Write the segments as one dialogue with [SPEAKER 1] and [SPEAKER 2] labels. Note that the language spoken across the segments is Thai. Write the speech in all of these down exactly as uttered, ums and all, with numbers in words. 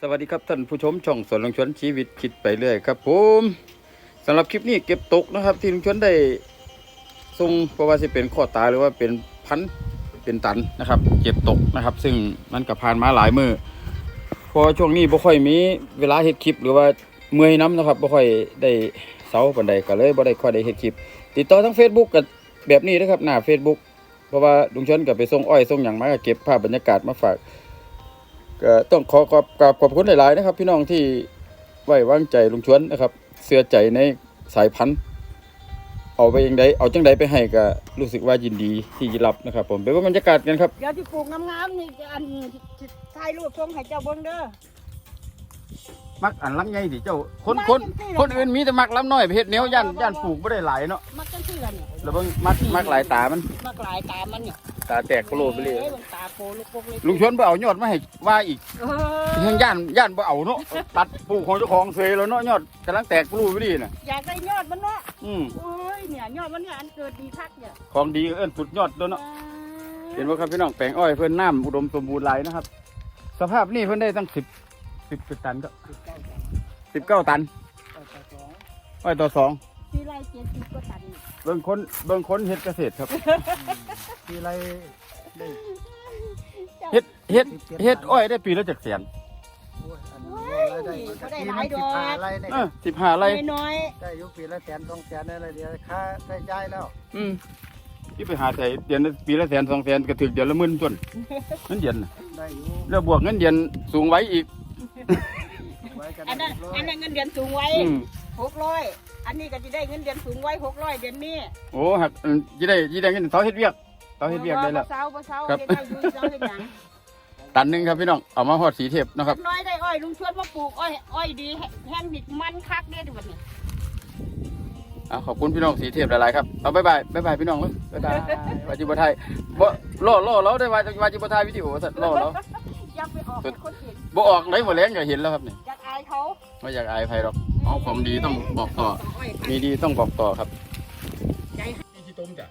[SPEAKER 1] สวัสดีครับท่านผู้ชมช่องสวนลุงชวนชีวิตคิดไปเรื่อยครับผมสำหรับคลิปนี้เก็บตกนะครับที่ลุงชวนได้ส่งเพราะว่าจะเป็นข้อตาหรือว่าเป็นพันเป็นตันนะครับเก็บตกนะครับซึ่งมันก็ผ่านมาหลายมือพอช่วงนี้บ่ค่อยมีเวลาเฮ็ดคลิปหรือว่าเมื่อยน้ำนะครับบ่ค่อยได้เสาปานใดก็เลยบ่ได้ค่อยได้เฮ็ดคลิปติดต่อทาง Facebook กับแบบนี้นะครับหน้า Facebook เพราะว่าลุงชวนก็ไปส่งอ้อยส่งหยังมาก็เก็บภาพบรรยากาศมาฝากก็ต้องขอขอบขอบคุณหลายๆนะครับพี่น้องที่ไว้วางใจลุงชวนนะครับเชื่อใจในสายพันธุ์เอาไปยังไดเอาจังใดไปให้ก็รู้สึกว่ายินดีที่จะรับนะครับผมไปว่าบรรยากาศกันครับ
[SPEAKER 2] เดี๋ยวที่ปลูกงามๆนี่จะอันถ่ายรูปส่งให้เจ้าเบิ่งเด้อ
[SPEAKER 1] มักอันลำใหญ่ดิเจ้าคนคนคนอื่นมีแต่มักลำน้อยไปเฮ็ดแนวย่านย่านปลูกบ่ได้หลายเนาะ
[SPEAKER 2] มักจังซี่ล่ะเนี่ย
[SPEAKER 1] แล้วเบิ่งมักมักหลายตามัน
[SPEAKER 2] มักหลายตามมันเนี่ย
[SPEAKER 1] ตาแตกโปโลไปเลย
[SPEAKER 2] อ้มันตาโปลูกปกเลย
[SPEAKER 1] ลุงชวนบ่เอายอดมาให้ว่าอีก
[SPEAKER 2] เออ
[SPEAKER 1] ยังย่านย่านบ่เอาเนาะตัดปลูกของเจ้าของเสยแล้วเนาะยอดกำลังแตกโปโลไปดิน่ะ
[SPEAKER 2] อยากได้ยอดมันเนาะ
[SPEAKER 1] อืม
[SPEAKER 2] โอ้ยเนี่ยยอดมันเนี่ยอันเกิดดีคักเนี่ย
[SPEAKER 1] ของดีเอิ้นสุดยอดเด้อเนาะเห็นบ่ครับพี่น้องแปลงอ้อยเพิ่นน้ำอุดมสมบูรณ์หลายนะครับสภาพนี่เพิ่นได้ตั้งสิบ สิบสิบตันก็สิบเก้าตันอ้อยต่อสอง
[SPEAKER 2] ที่ไรเจ็ดสิบกว่าตัน
[SPEAKER 1] เบิ่งคนเบิ่งคนเฮ็ดเกษตรครับ
[SPEAKER 3] ปีไรได้
[SPEAKER 1] เฮ็ดเฮ็ดเฮ็ดอ้อยได้ปีละจักแสน
[SPEAKER 3] โอ้ยอันนี้รายได้ปีมันสิบห้าไรเนี่ย
[SPEAKER 1] เออสิบห้าไร่
[SPEAKER 2] น้อย
[SPEAKER 3] ได้อยู่ปีละแสนสองแสนอะไรเดียวค่าใช้จ่ายแล้ว
[SPEAKER 1] อืมที่ไปหาใส่เดือนละปีละแสนสองแสนก็ถึงเดือนละหมื่นต้นเงินเดือนน่ะ
[SPEAKER 3] ได้อยู่
[SPEAKER 1] แล้วบวกเงินเดือนสูงไว้อีก
[SPEAKER 3] ไว้กัน
[SPEAKER 2] อันนั้น
[SPEAKER 3] ร้อย
[SPEAKER 2] อันนั้นเงินเดือนสูงไว้
[SPEAKER 1] อืม
[SPEAKER 2] หกร้อยอันนี้ก็จะได้เงินเดือนสูงไว้หกร้อยเดือนนี้
[SPEAKER 1] โอ้หักอืมสิได้สิได้เงินเสาเฮ็ดเวียกเสาเฮ็ดเวียกได้แล้ว
[SPEAKER 2] บ่เศร้าบ่เศร้า
[SPEAKER 1] ครับ
[SPEAKER 2] เฮ็ดได้อยู่เศร้าเฮ็ดหยัง
[SPEAKER 1] ตันหนึงครับพี่น้องเอามาฮอดสีเทพนะครับ
[SPEAKER 2] น้อยได้อ้อยลุงชวนมาปลูกอ้อยอ้อยดีแห้งดิบมันคักเด้อบัดนี้
[SPEAKER 1] เอาขอบคุณพี่น้องสีเทพหลายๆครับเอาบ๊ายบายบ๊ายบายพี่น้องเลยบ๊ายบายวาจิบไทยบ่ล่อล่อเราได้วาวาจิบไทยวิดีโอสัตว์ล่อเรา
[SPEAKER 2] ยังไปออกให้คนเห็น
[SPEAKER 1] บ่ออกไหนบ่แรงก็เห็นแล้วครับนี่
[SPEAKER 2] อยากอายเขา
[SPEAKER 1] ไม่อยากอายใครหรอกเอาความดีต้องบอกต่อ
[SPEAKER 2] อ้อย
[SPEAKER 1] มีดีต้องบอกต่อครับ
[SPEAKER 2] ใจ
[SPEAKER 1] นี่ที่ต้มจ้ะ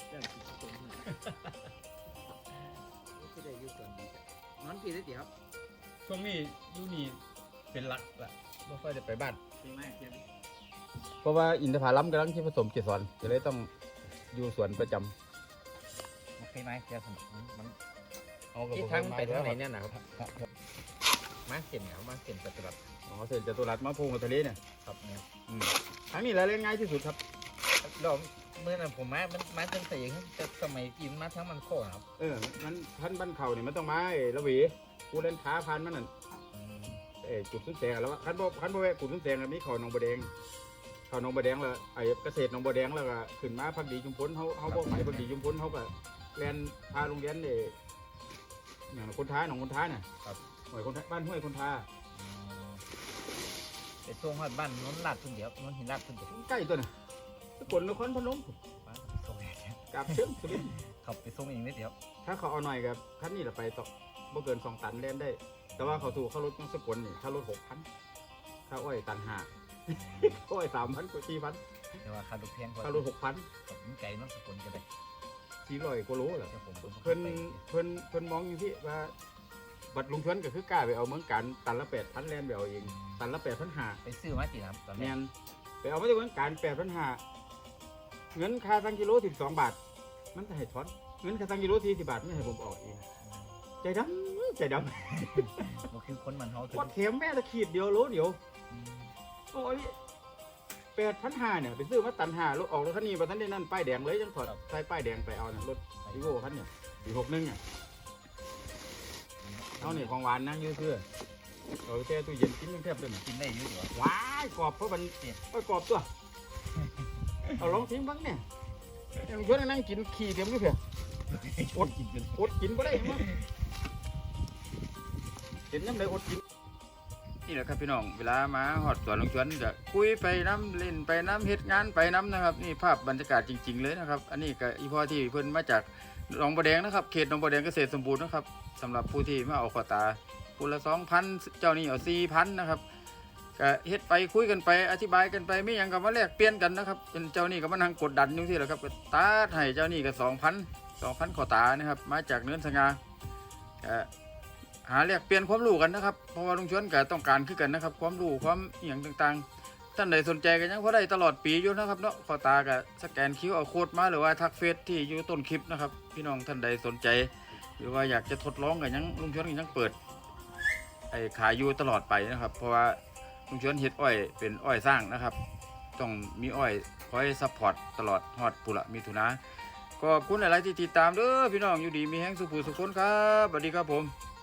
[SPEAKER 3] มันปีได้เดียว
[SPEAKER 1] ช่วงนี้อยู่นี่เป็นหลักละไม่ค่อยได้ไปบ้าน
[SPEAKER 3] ปีแม่เพียง
[SPEAKER 1] เพราะว่าอินทผลัมกำลังที่ผสมเกสรจะเลยต้องอยู่สวนประจำ
[SPEAKER 3] โอเคไหมเดี๋ยวผมมัน
[SPEAKER 1] เอากับ
[SPEAKER 3] ที่ทางไปทางไหนเนี่ยนะครับมาเส้นเหนียวมาเส้นจัตุรัส
[SPEAKER 1] อ๋อเสร็จจตุรัสมาพูงกับทะเลเนี่ย
[SPEAKER 3] ครับเนี่ย
[SPEAKER 1] อืมทางนี้แหละเล่นง่ายที่สุดครับ
[SPEAKER 3] เราเมื่อนั้นผมมามันมาตั้งแต่ยังจะสมัยกินมาทั้งมันโค้ครับ
[SPEAKER 1] เออมันท่านบ้านเขาเนี่ยมันต้องมาไอ้ละหวีกูเล่นท้าพันมันนั่นเออจุดสุนแสงแล้วว่าคันบ่คันบ่แวะจุดสุนแสงแล้วมีเขาหนองบัวแดงเขาหนองบัวแดงแล้วไอ้เกษตรหนองบัวแดงแล้วก็ขึ้นมาพักดีชุมพลเขาเขาบอกไปพักดีชุมพลเขาก็เรียนพาโรงเรียนเอออย่างคนท้าหนองคนท้าเนี่ยครับห้วยคนท้าบ้านห้วยคนท้า
[SPEAKER 3] ไปส่งฮอดบ้านนนท์ลาดทุ่งเดียวนนท์หินลาดทุ่งเดียว
[SPEAKER 1] ใกล้ตัวน่ะสกลนครพนม
[SPEAKER 3] ไปส่งเอง
[SPEAKER 1] กราบเชิงสุรินทร์
[SPEAKER 3] ขับไปส่งเองนิดเดียว
[SPEAKER 1] ถ้าเขาเอาหน่อยกับคันนี้ละไปต่อบ่เกินสองตันเล่นได้ แต่ว่าเขาถูกเขาลดต้องสกลนี่เขาลดหกพันข้าอ้อยตันห้า อ้อยสามพันกว่าสี่พัน
[SPEAKER 3] แต่ว่าค่ารถแพงกว่า
[SPEAKER 1] ข้ารถหกพัน
[SPEAKER 3] กับมันไก่น้องสกุลก็ได้
[SPEAKER 1] สี่ร้อยกว่าโลแหละ
[SPEAKER 3] แต่ผม
[SPEAKER 1] เพิ่นเพิ่นเพิ่นมองอยู่ที่ว่าบัตรลุงชวนก็คือกล้าไปเอาเมืองการตันละแปดพันแลนไปเอาเองตันละแปดพันห้า
[SPEAKER 3] ไปซื้อมากี่ครับตอน
[SPEAKER 1] แม
[SPEAKER 3] นี้
[SPEAKER 1] นไปเอามาจากเมืองการแปดพันห้าเงินค่าตังกิโลสิบสองบาท มันจะให้ทอนเงินค่าตังกิโลสี่สิบบาทไม่ให้ผมออกเองใจดำใจดำ
[SPEAKER 3] ก็คือคนมันเขาคือ
[SPEAKER 1] ว่าเข็มแม่ตะขีดเดียวโลเดียวโอ้ยแปดพันห้าเนี่ยไปซื้อมาตันห้ารถออกรถคันนี้มาทันได้นั่นป้ายแดงเลยจังถอดใส่ป้ายแดงไปเอาเนี่ยรถอีโว่คันเนี่ยอีหกหนึ่งอ่ะเอาเนี่ยของหวานนั่งยืดเสื้อเอาแช่ตู้เย็นกินยังแทบเลย
[SPEAKER 3] กินได้เยอะอยู่
[SPEAKER 1] ว้ายกรอบเพราะมันโอ้ยกรอบตัวเอาลองทิ้งบ้างเนี่ยยังชวนนั่งกินขี้เต็มเลยเพื่อ
[SPEAKER 3] อดกินเป็น
[SPEAKER 1] อดกินไม่ได้มั้งเห็นน้ำเลยอดกินนี่แหละครับพี่น้องเวลามาหอดสวนลุงชวนจะคุยไปน้ำเล่นไปน้ำเฮ็ดงานไปน้ำนะครับนี่ภาพบรรยากาศจริง ๆเลยนะครับอันนี้ก็อีพ่อที่เพิ่นมาจากหนองบัวแดงนะครับเขตหนองบัวแดงเกษตรสมบูรณ์นะครับสำหรับผู้ที่มาเอาขวตาผู้ละสองพันเจ้านี่เอาสี่พันนะครับก็เฮ็ดไปคุยกันไปอธิบายกันไปไม่ยังกับมาแลกเปลี่ยนกันนะครับเป็นเจ้านี่ก็มานั่งกดดันอยู่ที่แหละครับตาให้เจ้านี่ก็สองพันสองพันขอตานะครับมาจากเนื้อสง่าหาแลกเปลี่ยนความรู้กันนะครับเพราะว่าลุงชวนก็ต้องการคือกันนะครับความรู้ความอหย่างต่างๆท่านใดสนใจกันยังพอได้ตลอดปีอยู่นะครับเนาะขอตาก็สแกนคิวเอาโค้ดมาหรือว่าทักเฟซที่อยู่ต้นคลิปนะครับพี่น้องท่านใดสนใจหรือว่าอยากจะทดลองกันยังลุงชวนก็ยังเปิดไอ้ขายอยู่ตลอดไปนะครับเพราะว่าลุงชวนเฮ็ดอ้อยเป็นอ้อยสร้างนะครับต้องมีอ้อยคอยซัพพอร์ตตลอดฮอดปุระมิถุนาขอบคุณหลายๆที่ติดตามเด้อพี่น้องอยู่ดีมีแห้งสุขสุขคนครับสวัสดีครับผม